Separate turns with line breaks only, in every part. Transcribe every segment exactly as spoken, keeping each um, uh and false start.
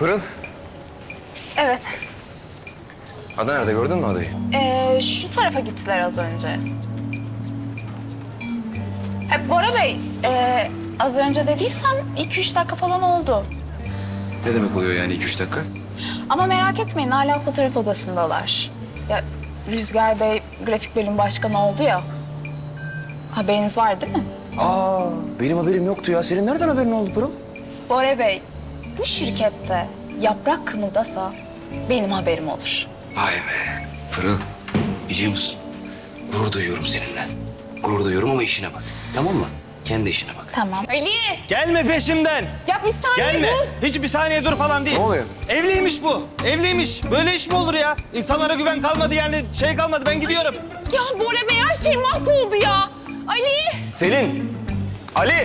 Pırıl,
Evet.
Ada nerede, gördün mü Ada'yı?
Ee, şu tarafa gittiler az önce. Ha, Bora Bey, e, az önce dediysem iki üç dakika falan oldu.
Ne demek oluyor yani iki üç dakika?
Ama merak etmeyin, hala fotoğraf odasındalar. Ya Rüzgar Bey grafik bölüm başkanı oldu ya. Haberiniz var değil mi?
Aa, benim haberim yoktu ya. Senin nereden haberin oldu Pırıl?
Bora Bey, bu şirkette yaprak kımıldasa benim haberim olur.
Vay be, Pırıl. Biliyor musun? Gurur duyuyorum seninle. Gurur duyuyorum ama işine bak. Tamam mı? Kendi işine bak.
Tamam.
Ali!
Gelme peşimden.
Ya bir saniye
Gelme.
dur.
Hiç bir saniye dur falan değil.
Ne oluyor?
Evliymiş bu. Evliymiş. Böyle iş mi olur ya? İnsanlara güven kalmadı yani şey kalmadı. Ben gidiyorum.
Ya Bora Bey her şey mahvoldu ya. Ali!
Selin! Ali!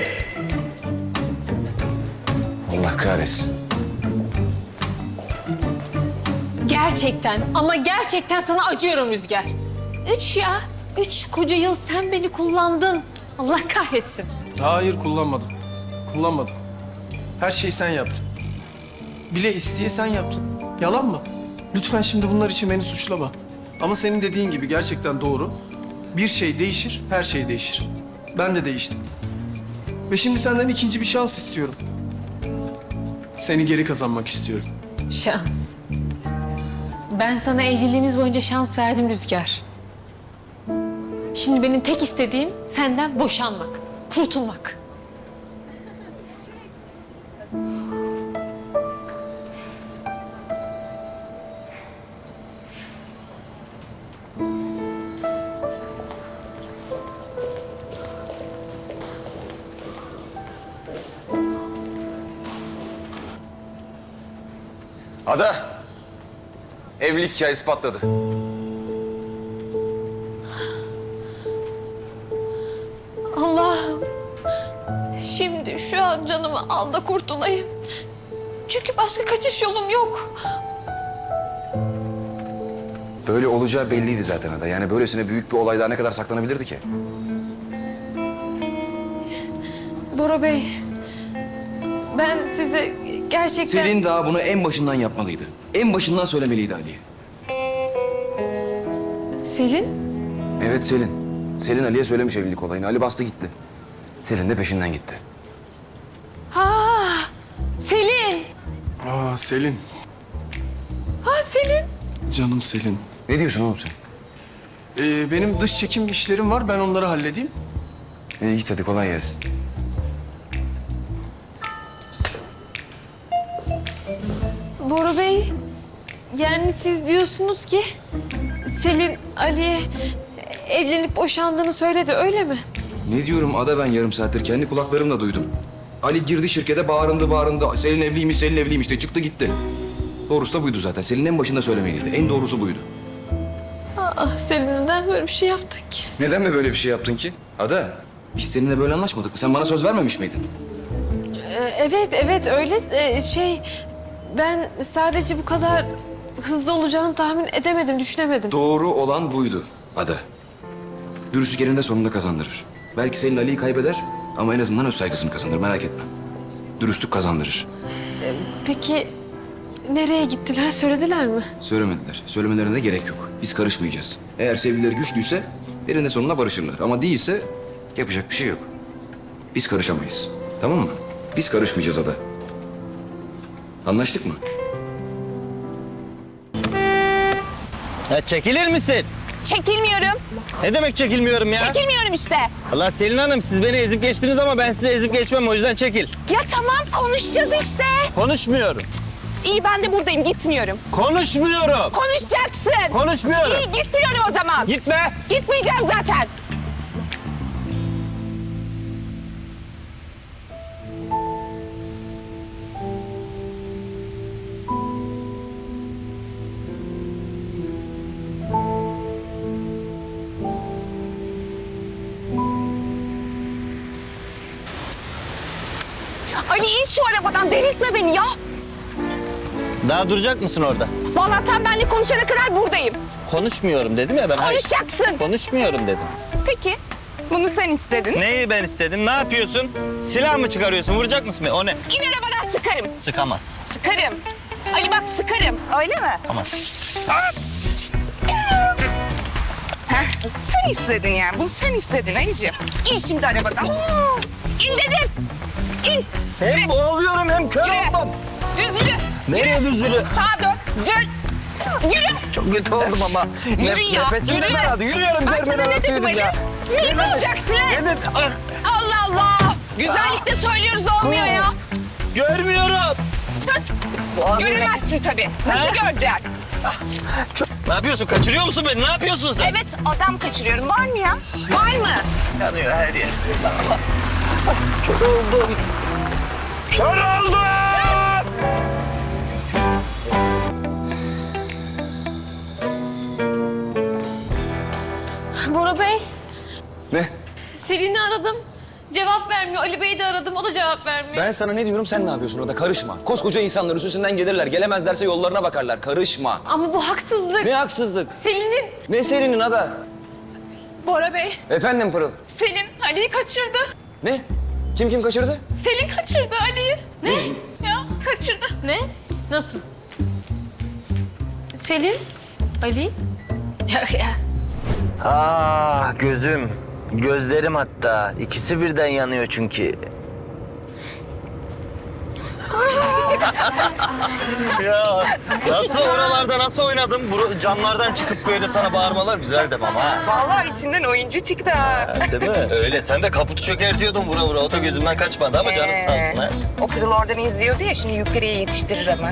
Allah kahretsin.
Gerçekten ama gerçekten sana acıyorum Rüzgar. Üç ya. Üç koca yıl sen beni kullandın. Allah kahretsin.
Hayır, kullanmadım. Kullanmadım. Her şeyi sen yaptın. Bile isteye sen yaptın. Yalan mı? Lütfen şimdi bunlar için beni suçlama. Ama senin dediğin gibi gerçekten doğru. Bir şey değişir, her şey değişir. Ben de değiştim. Ve şimdi senden ikinci bir şans istiyorum. Seni geri kazanmak istiyorum.
Şans. Ben sana evliliğimiz boyunca şans verdim Rüzgar. Şimdi benim tek istediğim senden boşanmak, kurtulmak.
Ada! Evlilik hikayesi patladı.
Allah'ım. Şimdi şu an canımı al da kurtulayım. Çünkü başka kaçış yolum yok.
Böyle olacağı belliydi zaten Ada. Yani böylesine büyük bir olay daha ne kadar saklanabilirdi ki?
Bora Bey, ben size gerçekten...
Selin daha bunu en başından yapmalıydı. En başından söylemeliydi Ali'ye.
Selin?
Evet Selin. Selin Ali'ye söylemiş evlilik olayını. Ali bastı gitti. Selin de peşinden gitti.
Ha, Selin.
Aa Selin,
Ha Selin.
canım Selin.
Ne diyorsun oğlum sen?
Ee, benim dış çekim işlerim var, ben onları halledeyim.
İyi git hadi, kolay gelsin.
Bora Bey, yani siz diyorsunuz ki Selin Ali'ye evlenip boşandığını söyledi, öyle mi?
Ne diyorum Ada, ben yarım saattir kendi kulaklarımla duydum. Ali girdi şirkete, bağırındı bağırındı. Selin evliymiş, Selin evliymiş de çıktı gitti. Doğrusu da buydu zaten. Selin en başında söylemeliydi. En doğrusu buydu.
Ah Selin, neden böyle bir şey yaptın ki?
Neden mi böyle bir şey yaptın ki? Ada, biz seninle böyle anlaşmadık mı? Sen bana söz vermemiş miydin?
Ee, evet, evet öyle Ee, şey... Ben sadece bu kadar hızlı olacağını tahmin edemedim, düşünemedim.
Doğru olan buydu Ada. Dürüstlük eninde sonunda kazandırır. Belki Selin Ali'yi kaybeder ama en azından öz saygısını kazanır, merak etme. Dürüstlük kazandırır.
Peki nereye gittiler, söylediler mi?
Söylemediler. Söylemelerine de gerek yok. Biz karışmayacağız. Eğer sevgilileri güçlüyse eninde sonunda barışırlar. Ama değilse yapacak bir şey yok. Biz karışamayız. Tamam mı? Biz karışmayacağız Ada. Anlaştık mı?
Ya çekilir misin?
Çekilmiyorum.
Ne demek çekilmiyorum ya?
Çekilmiyorum işte.
Allah Selin Hanım, siz beni ezip geçtiniz ama ben size ezip geçmem, o yüzden çekil.
Ya tamam, konuşacağız işte.
Konuşmuyorum.
İyi, ben de buradayım, gitmiyorum.
Konuşmuyorum.
Konuşacaksın.
Konuşmuyorum.
İyi, gitmiyorum o zaman.
Gitme.
Gitmeyeceğim zaten. Ali, in şu arabadan, delirtme beni ya.
Daha duracak mısın orada?
Vallahi sen benimle konuşana kadar buradayım.
Konuşmuyorum dedim ya ben. Hayır.
Konuşacaksın.
Konuşmuyorum dedim.
Peki, bunu sen istedin.
Neyi ben istedim? Ne yapıyorsun? Silah mı çıkarıyorsun? Vuracak mısın beni? O ne?
İn arabadan, sıkarım.
Sıkamazsın.
Sıkarım.
Ali bak sıkarım.
Öyle mi?
Heh, sen istedin yani. Bunu sen istedin Ali'ciğim. İn şimdi arabadan. İn dedim. İn.
Hem boğuluyorum hem kör
Yürü.
oldum.
Düz yürü.
Nereye düz yürü?
Sağa dön. Dön. Yürü.
Çok kötü oldum ama.
Yürü ya,
Nefesim de
yürü.
daraldı. Yürüyorum.
Ben
görmeden
sana ne
nasıl
dedim Ali?
yürüyeceğim?
Ne mi olacaksın lan?
Ne dedim? Ah,
Allah Allah. Güzellikle söylüyoruz olmuyor ya.
görmüyorum.
Sus. Göremezsin tabii. Nasıl göreceksin?
Ne yapıyorsun? Kaçırıyor musun beni? Ne yapıyorsun sen?
Evet adam kaçırıyorum. Var mı ya? Var mı?
Yanıyor her yer. Kör oldum. Kör oldum!
Bora Bey,
Ne?
Selin'i aradım. Cevap vermiyor. Ali Bey'i de aradım. O da cevap vermiyor.
Ben sana ne diyorum sen ne yapıyorsun orada? Karışma. Koskoca insanlar üstünden gelirler. Gelemezlerse yollarına bakarlar. Karışma.
Ama bu haksızlık.
Ne haksızlık?
Selin'in...
Ne serinin Ada?
Bora Bey,
Efendim Pırıl?
Selin Ali'yi kaçırdı.
Ne? Kim kim kaçırdı?
Selin kaçırdı Ali'yi.
Ne?
Ya kaçırdı.
Ne? Nasıl? Selin? Ali? Ya, ya.
Ah gözüm, gözlerim hatta. İkisi birden yanıyor çünkü.
Ya nasıl oralarda nasıl oynadım? Bu camlardan çıkıp böyle sana bağırmalar güzel demem ha.
Vallahi içinden oyuncu çıktı ha.
Değil mi? Öyle. Sen de kaputu çökertiyordun vura vura. O da gözümden kaçmadı ama canın sağ olsun ha.
O Pırıl oradan izliyordu ya şimdi yukarıya yetiştirir hemen.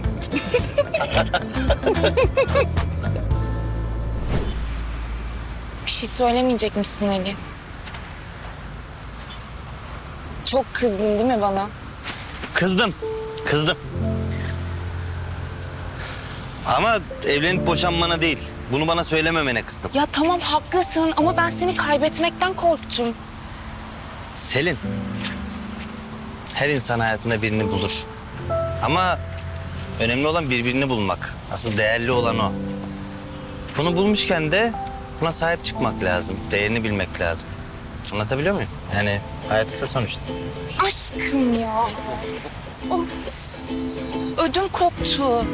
Bir şey söylemeyecek misin Ali? Çok kızdın değil mi bana?
Kızdım. Kızdım. Ama evlenip boşanmana değil. Bunu bana söylememene kızdım.
Ya tamam haklısın ama ben seni kaybetmekten korktum.
Selin. Her insan hayatında birini bulur. Ama önemli olan birbirini bulmak. Asıl değerli olan o. Bunu bulmuşken de buna sahip çıkmak lazım. Değerini bilmek lazım. Anlatabiliyor muyum? Yani hayat kısa sonuçta.
Aşkım ya. Of. Ödüm koptu.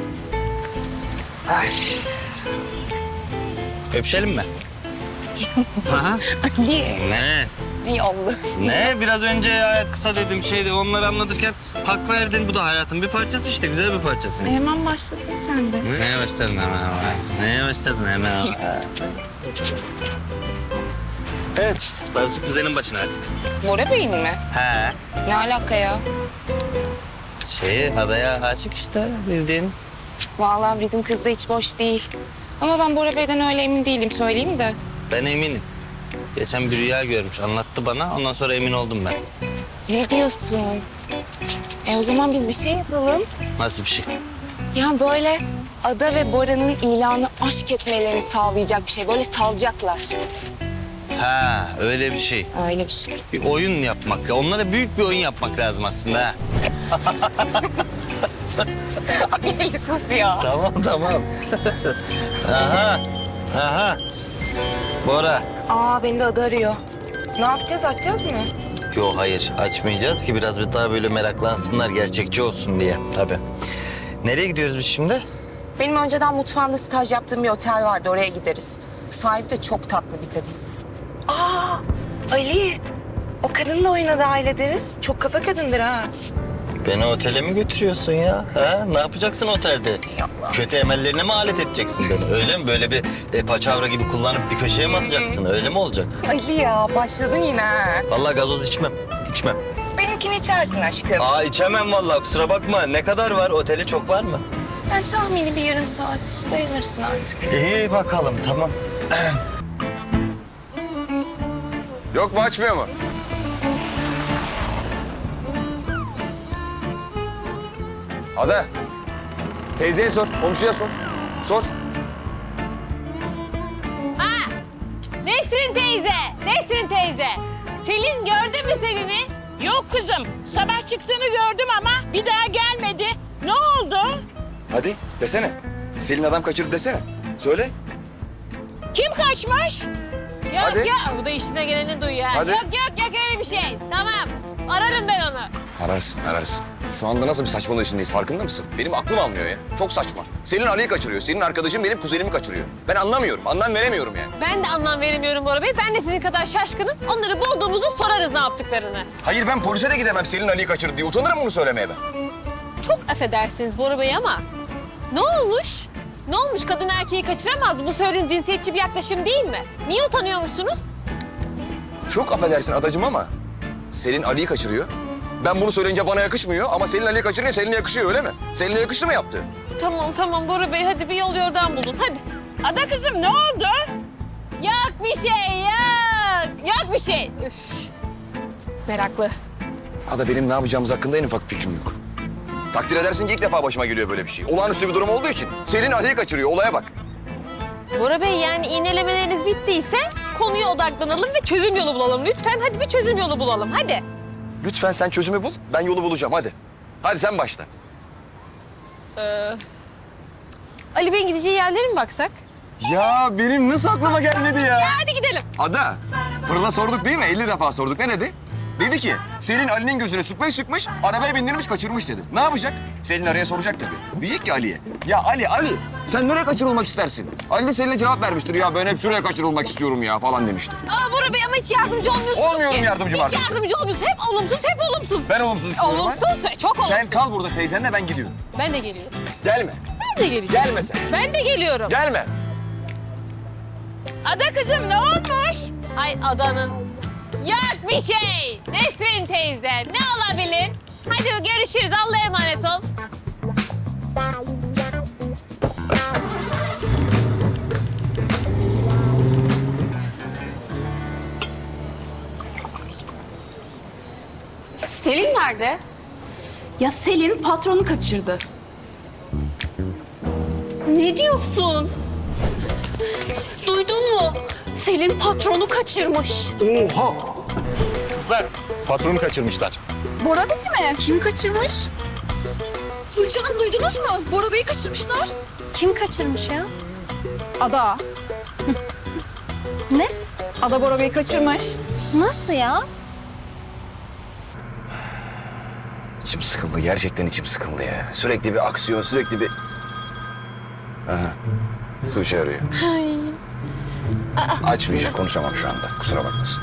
Öpüşelim mi? Aha.
Ali.
Ne?
İyi oldu.
Ne? Biraz önce hayat kısa dedim şeydi. Onları anlatırken hak verdin. Bu da hayatın bir parçası işte. Güzel bir parçası.
Hemen başladın sen de.
Neye başladın hemen ama? Neye başladın hemen ama? Evet. Darısı kuzenin başına artık.
Bora Bey'in mi?
He.
Ne alaka ya?
Şey, adaya aşık işte bildiğin.
Vallahi bizim kız da hiç boş değil. Ama ben Bora Bey'den öyle emin değilim söyleyeyim de.
Ben eminim. Geçen bir rüya görmüş. Anlattı bana. Ondan sonra emin oldum ben.
Ne diyorsun? E o zaman biz bir şey yapalım.
Nasıl bir şey?
Ya böyle Ada ve Bora'nın ilanı aşk etmelerini sağlayacak bir şey. Böyle salacaklar.
Ha, öyle bir şey.
Öyle bir şey.
Bir oyun yapmak. Ya onlara büyük bir oyun yapmak lazım aslında ha.
Ay sus ya.
Tamam, tamam. Aha, aha. Bora.
Aa beni de Ada arıyor. Ne yapacağız? Açacağız mı?
Yok hayır açmayacağız ki biraz bir daha böyle meraklansınlar gerçekçi olsun diye tabii. Nereye gidiyoruz biz şimdi?
Benim önceden mutfağında staj yaptığım bir otel vardı. Oraya gideriz. Sahibi de çok tatlı bir kadın. Aa Ali. O kadınla oyuna dahil ederiz. Çok kafa kadındır ha.
Beni otele mi götürüyorsun ya? Ha? Ne yapacaksın otelde? Kötü emellerine mi alet edeceksin beni? Öyle mi? Böyle bir e, paçavra gibi kullanıp bir köşeye mi atacaksın? Öyle mi olacak?
Ali ya başladın yine ha.
Vallahi gazoz içmem. İçmem.
Benimkini içersin aşkım.
Aa içemem vallahi kusura bakma. Ne kadar var? Oteli çok var mı?
Ben tahmini bir yarım saat dayanırsın artık.
İyi bakalım tamam.
Yok mu açmıyor mu? Ada. Teyzeye sor, komşuya sor. Sor.
Nesrin teyze, Nesrin teyze. Selin gördü mü Selin'i?
Yok kızım. Sabah çıktığını gördüm ama bir daha gelmedi. Ne oldu?
Hadi desene. Selin adam kaçırdı desene. Söyle.
Kim kaçmış?
Yok
Hadi.
yok, bu da işine geleni duyuyor. ha.
Hadi.
Yok yok yok öyle bir şey. Tamam, ararım ben onu.
Ararsın, ararsın. şu anda nasıl bir saçmalığı içindeyiz farkında mısın? Benim aklım almıyor ya. Çok saçma. Selin Ali'yi kaçırıyor. Senin arkadaşın benim kuzenimi kaçırıyor. Ben anlamıyorum. Anlam veremiyorum yani.
Ben de anlam veremiyorum Bora Bey. Ben de sizin kadar şaşkınım. Onları bulduğumuzda sorarız ne yaptıklarını.
Hayır ben polise de gidemem Selin Ali'yi kaçırdı diye. Utanırım bunu söylemeye ben.
Çok affedersiniz Bora Bey ama ne olmuş? Ne olmuş? Kadın erkeği kaçıramaz mı? Bu söylediğin cinsiyetçi bir yaklaşım değil mi? Niye utanıyormuşsunuz?
Çok affedersin adacığım ama Selin Ali'yi kaçırıyor. Ben bunu söyleyince bana yakışmıyor ama Selin Ali'yi kaçırınca Selin'e yakışıyor öyle mi? Selin'e yakıştı mı yaptı?
Tamam tamam Bora Bey hadi bir yol yordan bulun hadi.
Ada kızım ne oldu?
Yok bir şey yok. Yok bir şey. Üf. Meraklı.
Ada benim ne yapacağımız hakkında en ufak fikrim yok. Takdir edersin ki ilk defa başıma geliyor böyle bir şey. Olağanüstü bir durum olduğu için. Selin Ali'yi kaçırıyor olaya bak.
Bora Bey yani iğnelemeleriniz bittiyse konuya odaklanalım ve çözüm yolu bulalım. Lütfen hadi bir çözüm yolu bulalım hadi.
Lütfen sen çözümü bul ben yolu bulacağım hadi. Hadi sen başla.
Ali Bey'in gideceği yerlere mi baksak?
Ya benim nasıl aklıma gelmedi ya?
Hadi gidelim.
Ada, Pırıl'a sorduk değil mi? elli defa sorduk. Ne dedi? Dedi ki, Selin Ali'nin gözüne sprey sıkmış, arabaya bindirmiş, kaçırmış dedi. Ne yapacak? Selin araya soracak tabii. Diyecek ki Ali'ye, ya Ali, Ali sen nereye kaçırılmak istersin? Ali de Selin'e cevap vermiştir. Ya ben hep şuraya kaçırılmak istiyorum ya falan demiştir.
Aa Bora Bey ama hiç yardımcı olmuyorsunuz
Olmuyorum
ki.
yardımcım
Hiç
artık.
yardımcı olmuyorsunuz. Hep olumsuz, hep olumsuz.
Ben olumsuz düşünüyorum.
Olumsuz, çok olumsuz.
Sen kal burada teyzenle ben gidiyorum.
Ben de geliyorum.
Gelme.
Ben de geliyorum.
Gelme sen.
Ben de geliyorum.
Gelme.
Ada kızım ne olmuş? Ay adanın. Yok bir şey. Nesrin teyze ne olabilir? Hadi görüşürüz Allah'a emanet ol.
Selin nerede? Ya Selin patronu kaçırdı.
Ne diyorsun? Duydun mu? Selin patronu kaçırmış.
Oha! Kızlar, patronu kaçırmışlar.
Bora Bey mi? Kim kaçırmış?
Tuğçe Hanım duydunuz mu? Bora Bey'i kaçırmışlar.
Kim kaçırmış ya?
Ada.
Ne?
Ada Bora Bey'i kaçırmış.
Nasıl ya?
İçim sıkıldı. Gerçekten içim sıkıldı ya. Sürekli bir aksiyon, sürekli bir... Aha. Tuğçe arıyor. Açmayacak, konuşamam şu anda. Kusura bakmasın.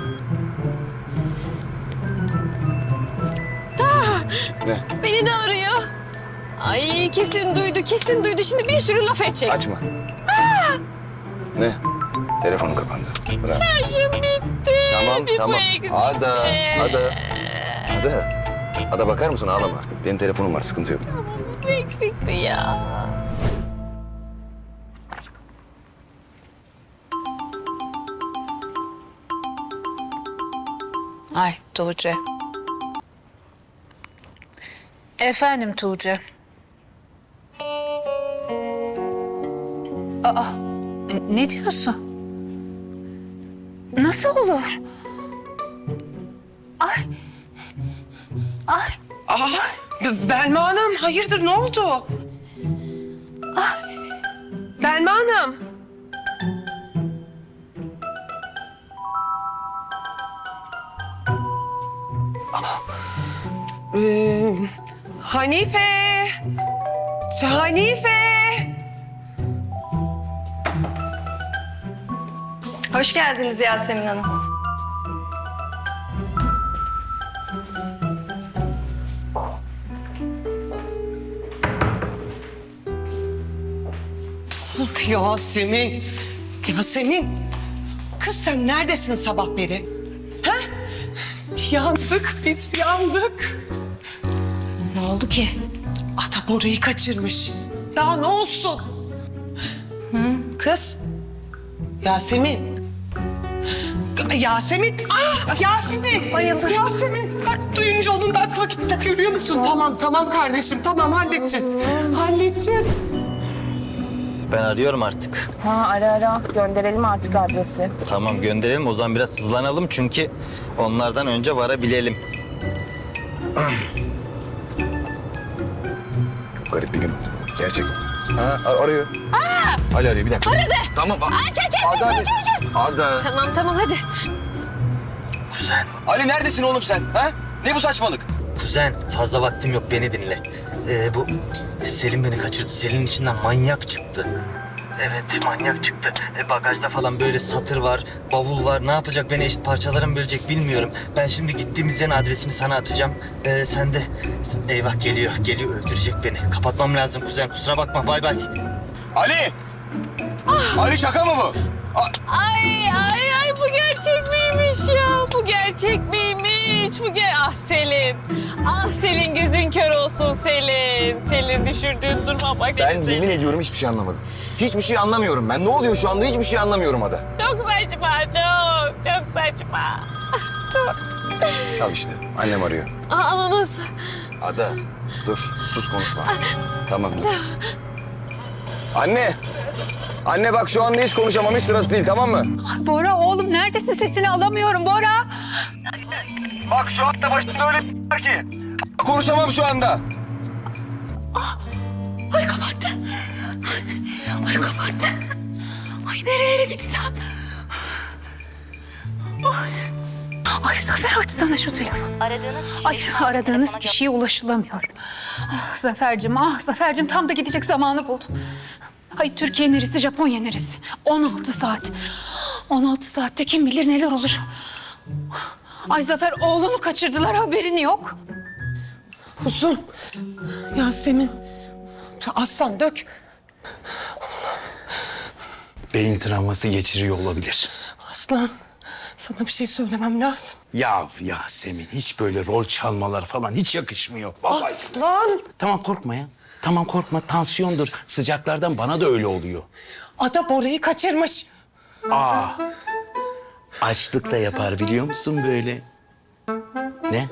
Ne?
Beni de arıyor. Ay kesin duydu, kesin duydu. Şimdi bir sürü laf edecek.
Açma. Ne? Telefonum kapandı. Bırak.
Şarjım bitti.
Tamam,
Bir
tamam.
bu eksikti.
Ada, Ada. Ada. Ada bakar mısın? Ağlama. Benim telefonum var, sıkıntı yok.
Bu eksikti ya.
Ay Tuğçe. Efendim Tuğçe. Aa, ne diyorsun? Nasıl olur? Ay. Ay.
Aa, Belma Hanım hayırdır ne oldu? Ah. Belma Hanım. Ee, Hanife. Hanife.
Hoş geldiniz Yasemin Hanım.
Of Yasemin. Yasemin. Kız sen neredesin sabah beri? Ha? Yandık biz yandık.
Ne oldu ki?
Ata Bora'yı kaçırmış. Daha ne olsun? Kız. Yasemin. Yasemin. Ah Yasemin.
Bayıldı.
Yasemin. Bak duyunca onun da aklı gitti. Görüyor musun? Tamam tamam kardeşim. Tamam halledeceğiz. Halledeceğiz.
Ben arıyorum artık.
Ha ara ara gönderelim artık adresi.
Tamam gönderelim o zaman biraz hızlanalım çünkü onlardan önce varabilelim.
Garip bir gün oldu. Gerçekten. Ha, ar- arıyor. Aa! Ali arıyor, bir dakika. Aradı. Tamam.
Aç aç aç
Ada,
aç aç aç.
Ada.
Tamam tamam hadi.
Ali neredesin oğlum sen? Ha? Ne bu saçmalık?
Kuzen fazla vaktim yok beni dinle. Ee, bu Selin beni kaçırdı. Selin içinden manyak çıktı. Evet manyak çıktı. E, bagajda falan böyle satır var, bavul var. Ne yapacak beni eşit parçalara mı bölecek bilmiyorum. Ben şimdi gittiğimiz yerin adresini sana atacağım. Ee, sen de eyvah geliyor, geliyor öldürecek beni. Kapatmam lazım kuzen kusura bakma bay bay.
Ali! Ali şaka mı bu? A-
Ay ay ay bu gerçek miymiş ya? Bu gerçek miymiş? Bu ger ah Selin. Ah Selin gözün kör olsun Selin. Selin düşürdüğün duruma bak.
Ben
Selin.
yemin ediyorum hiçbir şey anlamadım. Hiçbir şey anlamıyorum ben. Ne oluyor şu anda hiçbir şey anlamıyorum Ada.
Çok saçma çok çok saçma. Çok.
Al işte annem arıyor.
Aa, ananas.
Ada dur sus konuşma. Tamam dur. Anne! Anne bak şu anda hiç konuşamam hiç sırası değil tamam mı?
Bora oğlum neredesin? Sesini alamıyorum Bora.
Bak şu anda başımda öyle bir var ki. Konuşamam şu anda.
Ay kapattı. Ay kapattı. Ay nereye gitsem? Ay. Ay Zafer açsana şu telefonu. Aradığınız Ay aradığınız kişiye ulaşılamıyor. Ah Zafer'cim ah Zafer'cim tam da gidecek zamanı buldum. Ay Türkiye neresi Japonya neresi? on altı saat. on altı saatte kim bilir neler olur. Ay Zafer oğlunu kaçırdılar haberin yok.
Kuzum. Yasemin. Aslan dök.
Beyin travması geçiriyor olabilir.
Aslan. Sana bir şey söylemem lazım.
Ya Yasemin hiç böyle rol çalmalar falan hiç yakışmıyor. Vallahi.
Aslan.
Tamam korkma ya. Tamam korkma tansiyondur. Sıcaklardan bana da öyle oluyor.
Ada Bora'yı kaçırmış.
Aa. Açlık da yapar biliyor musun böyle? Ne?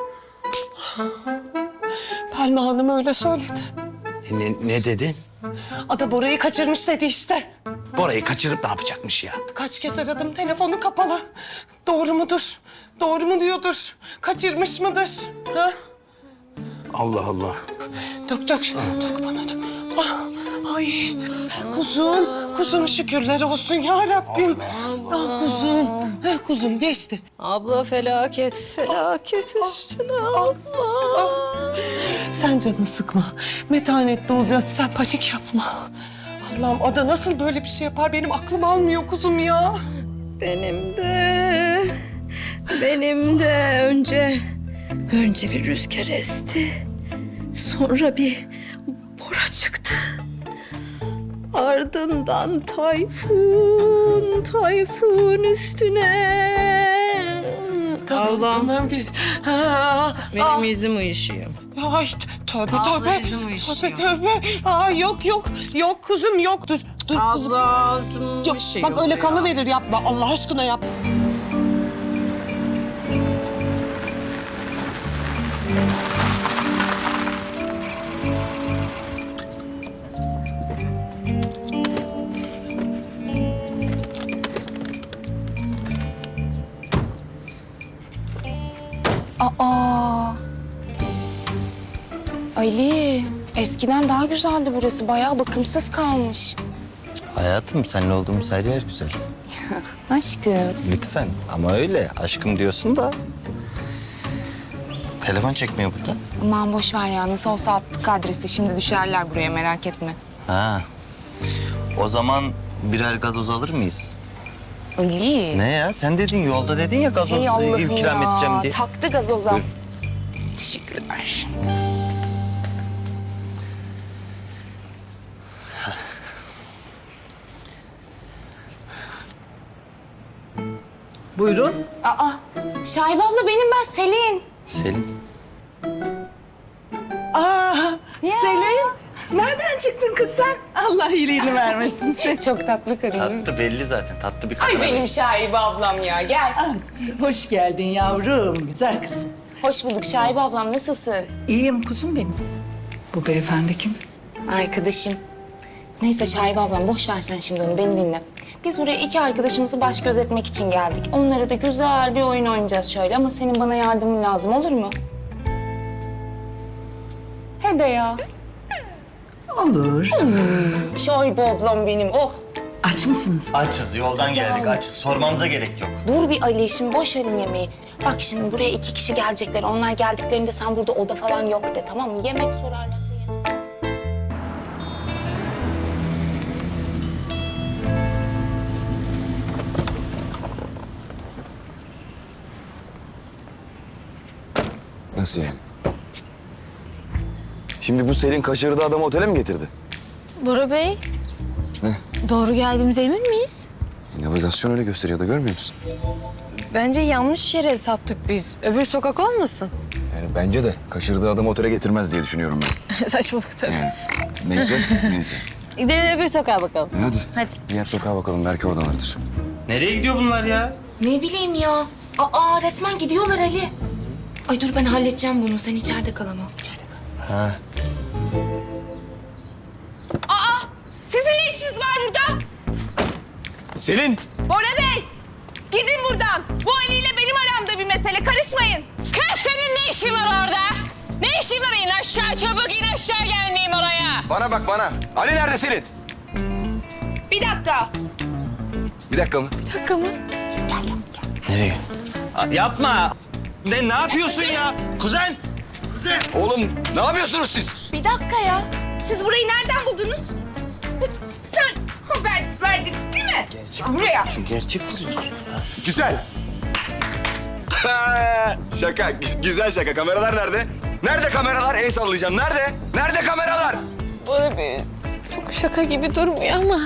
Pelma Hanım öyle söyledi.
Ne, ne dedi?
Ada Bora'yı kaçırmış dedi işte.
Bora'yı kaçırıp ne yapacakmış ya?
Kaç kez aradım telefonu kapalı. Doğru mudur? Doğru mu diyordur? Kaçırmış mıdır? Ha?
Allah Allah.
Dök dök. Dök bana dök. Ah, ay kuzum. Kuzum şükürler olsun ya Rabbim. Ah kuzum. Ha, kuzum geçti.
Abla felaket, felaket üstüne abla.
Sen canını sıkma. Metanetli olacağız. Sen panik yapma. Allah'ım Ada nasıl böyle bir şey yapar? Benim aklım almıyor kuzum ya.
Benim de, benim de önce, önce bir rüzgar esti. Sonra bir Bora çıktı. Ardından tayfun, tayfun üstüne. Allah'ım.
Tamam bir. Ha,
Benim
ah.
yüzüm uyuşuyor.
Ay t- tövbe
Abla
tövbe.
yüzüm uyuşuyor.
Tövbe tövbe. Aa, yok yok. Yok kuzum yok. Dur. Dur kuzum.
Abla ağzım
Yok,
bir şey
bak öyle
oluyor.
kanı verir yapma. Allah aşkına yap.
Aa. Ali, eskiden daha güzeldi burası. Bayağı bakımsız kalmış.
Hayatım seninle olduğumuz her yer güzel.
Aşkım.
Lütfen ama öyle aşkım diyorsun da. Telefon çekmiyor burada.
Aman boş ver ya. Nasıl olsa attık adresi. Şimdi düşerler buraya merak etme.
Ha. O zaman birer gazoz alır mıyız?
Ali.
Ne ya? Sen dedin yolda dedin ya gazoz
Hey Allah'ım
ikram
ya.
edeceğim diye.
Taktı gazoza.
Buyur.
Teşekkürler.
Buyurun.
Aa, Şahibe abla benim ben Selin.
Selin.
Aa, Selin. Nereden çıktın kız sen? Allah iyiliğini vermesin sen.
Çok tatlı kadın.
Tatlı belli zaten. Tatlı bir kadın.
Ay benim Şahibe ablam ya gel.
Hoş geldin yavrum. Güzel kızım.
Hoş bulduk Şahibe ablam nasılsın?
İyiyim kuzum benim. Bu beyefendi kim?
Arkadaşım. Neyse Şahibe ablam boş ver sen şimdi onu beni dinle. Biz buraya iki arkadaşımızı baş gözetmek için geldik. Onlara da güzel bir oyun oynayacağız şöyle ama senin bana yardımın lazım olur mu? He de ya.
Olur.
Şahibe ablam benim oh.
Aç mısınız?
Açız, yoldan geldik. Açız. Sormanıza gerek yok.
Dur bir Ali, şimdi boş verin yemeği. Bak şimdi buraya iki kişi gelecekler. Onlar geldiklerinde sen burada oda falan yok de, tamam mı? Yemek sorarlarsa ye.
Nasıl yani? Şimdi bu Selin kaçırdığı adamı otele mi getirdi?
Bora Bey.
Ne?
Doğru geldiğimize emin miyiz?
Navigasyon öyle gösteriyor da görmüyor musun?
Bence yanlış yere saptık biz. Öbür sokak olmasın?
Yani bence de kaçırdığı adamı otele getirmez diye düşünüyorum ben.
Saçmalık tabii.
Yani neyse, neyse.
Gidelim öbür sokağa bakalım.
E hadi.
Hadi.
Diğer sokağa bakalım, belki oradalardır.
Nereye gidiyor bunlar ya?
Ne bileyim ya. Aa, resmen gidiyorlar Ali. Ay dur, ben halledeceğim bunu. Sen içeride kal ama. İçeride kal.
Ha.
Sizin ne işiniz var burada?
Selin!
Bora Bey, gidin buradan. Bu Ali ile benim aramda bir mesele, karışmayın. Kız, senin ne işin var orada? Ne işin var? İn aşağı, çabuk in aşağı, gelmeyeyim oraya.
Bana bak bana. Ali nerede Selin?
Bir dakika.
Bir dakika mı?
Bir dakika mı?
Nereye? Aa, yapma. Ne, ne yapıyorsun ya? Kuzen!
Oğlum ne yapıyorsunuz siz?
Bir dakika ya. Siz burayı nereden buldunuz? Sen haber verdin değil mi? Gerçek. Buraya.
Gerçek
Güzel. Şaka, gü- güzel şaka. Kameralar nerede? Nerede kameralar? El sallayacağım. Nerede? Nerede kameralar?
Bora Bey, çok şaka gibi durmuyor ama.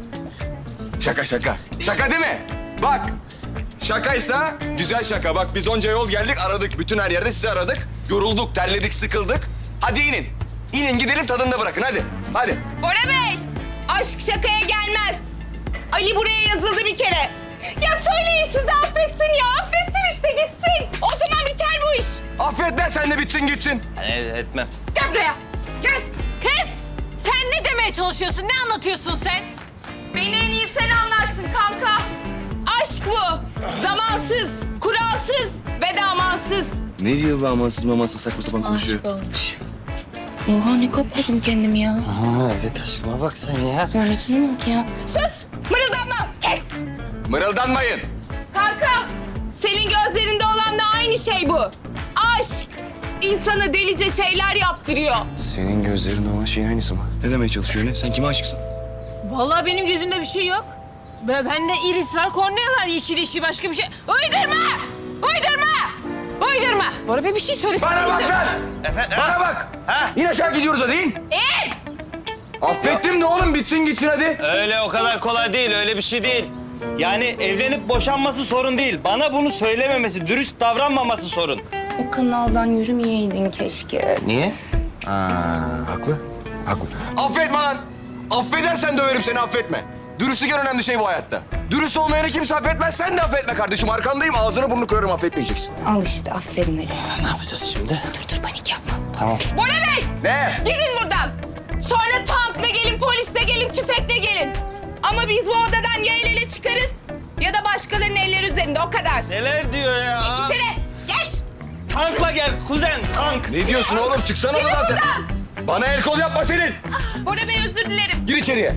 Şaka şaka. Şaka değil mi? Bak. Şakaysa güzel şaka. Bak biz onca yol geldik, aradık. Bütün her yerde sizi aradık. Yorulduk, terledik, sıkıldık. Hadi inin. İnin gidelim, tadında bırakın hadi. Hadi.
Bora Bey, aşk şakaya gelmez. Ali buraya yazıldı bir kere. Ya söyleyin size, affetsin ya. Affetsin işte, gitsin. O zaman biter bu iş.
Affet sen de bitsin gitsin.
E, etmem.
Gel buraya. Gel.
Kız, sen ne demeye çalışıyorsun? Ne anlatıyorsun sen?
Beni en iyi sen anlarsın kanka. Aşk bu. Zamansız, kuralsız ve damansız.
Ne diyor bu amansız mamansız saçma sapan konuşuyor?
olmuş.
Oha, ne kapladım kendimi ya.
Ha, evet aşkıma bak sen ya.
Sonrakine bak ya.
Sus, mırıldanma, kes.
Mırıldanmayın.
Kanka, senin gözlerinde olan da aynı şey bu. Aşk. İnsana delice şeyler yaptırıyor.
Senin gözlerinde olan şeyin aynısı mı? Ne demeye çalışıyor ne? Sen kime aşıksın?
Vallahi benim gözümde bir şey yok. Be- Bende iris var, kornea var, yeşil yeşil başka bir şey. Uydurma! Uydurma! Uydurma! Bora Bey bir şey söylesene.
Bana bak lan!
Efendim?
Bana bak!
Ha?
İn aşağı gidiyoruz hadi in.
İn!
Affettim de oğlum bitsin gitsin hadi.
Öyle o kadar kolay değil, öyle bir şey değil. Yani evlenip boşanması sorun değil. Bana bunu söylememesi, dürüst davranmaması sorun.
O kanaldan yürümeyeydin keşke.
Niye?
Aa, haklı. Haklı. Affetme lan! Affedersen döverim seni affetme. Dürüstlük en önemli şey bu hayatta. Dürüst olmayanı kimse affetmez. Sen de affetme kardeşim. Arkandayım. Ağzını burnunu kırarım affetmeyeceksin.
Al işte, aferin Ali.
Ne yapacağız şimdi?
Dur dur, panik yapma.
Tamam.
Bora Bey,
Ne?
gidin buradan. Sonra tankla gelin, polisle gelin, tüfekle gelin. Ama biz bu odadan ya el ele çıkarız ya da başkalarının elleri üzerinde, o kadar.
Neler diyor ya?
İçeri, geç.
Tankla gel kuzen, tank.
Ne diyorsun oğlum? Çıksana
Gidin
oradan sen.
buradan.
Bana el kol yapma senin.
Bora Bey, özür dilerim.
Gir içeriye.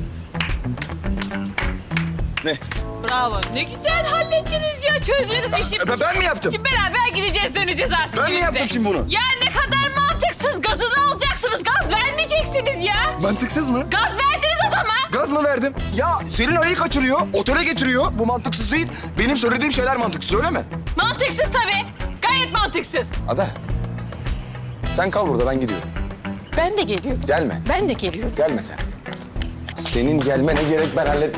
Ne?
Bravo. Ne güzel hallettiniz ya. Çözdünüz işi.
Ben, ben mi yaptım?
Şimdi beraber gideceğiz, döneceğiz artık.
Ben mi
evimize.
yaptım şimdi bunu?
Ya ne kadar mantıksız. Gazını alacaksınız. Gaz vermeyeceksiniz ya.
Mantıksız mı?
Gaz verdiniz adama.
Gaz mı verdim? Ya Selin Ali'yi kaçırıyor, otele getiriyor. Bu mantıksız değil. Benim söylediğim şeyler mantıksız öyle mi?
Mantıksız tabii. Gayet mantıksız.
Ada. Sen kal burada ben gidiyorum.
Ben de geliyorum.
Gelme.
Ben de geliyorum.
Gelme sen. Senin gelmene gerek ben hallet...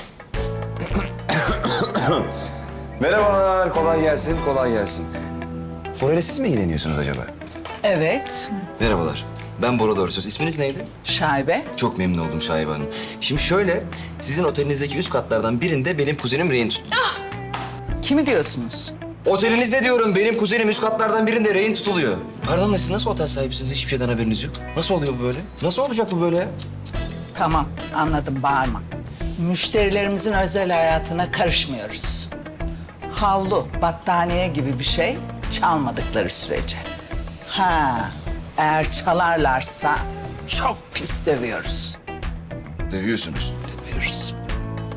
Merhabalar, kolay gelsin, kolay gelsin. Burayla siz mi ilgileniyorsunuz acaba?
Evet.
Merhabalar, ben Bora Doğrusöz. İsminiz neydi?
Şaibe.
Çok memnun oldum Şahibe Hanım. Şimdi şöyle, sizin otelinizdeki üst katlardan birinde benim kuzenim rehin tuttu.
Kimi diyorsunuz?
Otelinizde diyorum, benim kuzenim üst katlardan birinde rehin tutuluyor. Pardon da siz nasıl otel sahibisiniz? Hiçbir şeyden haberiniz yok. Nasıl oluyor bu böyle? Nasıl olacak bu böyle?
Tamam, anladım, bağırma. Müşterilerimizin özel hayatına karışmıyoruz. Havlu, battaniye gibi bir şey çalmadıkları sürece. Ha, eğer çalarlarsa çok pis dövüyoruz.
Dövüyorsunuz.
Dövüyoruz.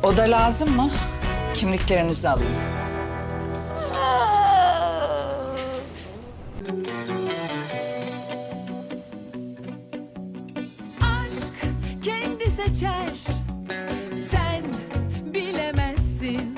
Oda lazım mı? Kimliklerinizi alayım.
Aşk kendi seçer